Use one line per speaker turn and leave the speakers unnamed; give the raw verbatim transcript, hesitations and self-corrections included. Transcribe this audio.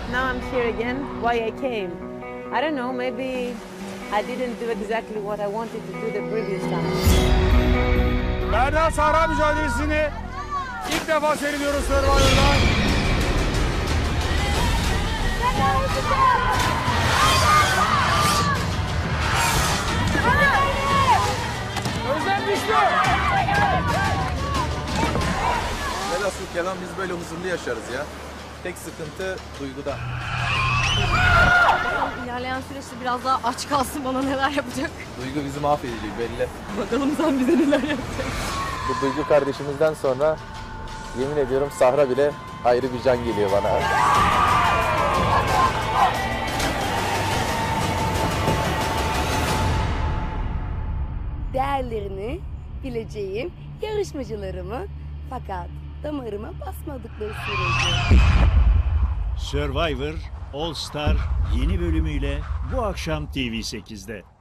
now I'm here again. Why I came? I don't know, maybe I didn't do exactly what I wanted to do the previous time.
Berna Sahra mücadelesini ilk defa seyrediyoruz Survivor'dan. Özlem düştü.
Velhasıl kelam biz böyle huzurlu yaşarız ya. Tek sıkıntı duyguda.
İlerleyen süreçte biraz daha aç kalsın, bana neler yapacak.
Duygu bizi mahvedecek belli.
Bakalım sen bize neler yapacak.
Bu Duygu kardeşimizden sonra yemin ediyorum Sahra bile ayrı bir can geliyor bana.
Değerlerini bileceğim yarışmacılarımı, fakat damarıma basmadıkları sürece.
Survivor All Star yeni bölümüyle bu akşam T V sekizde.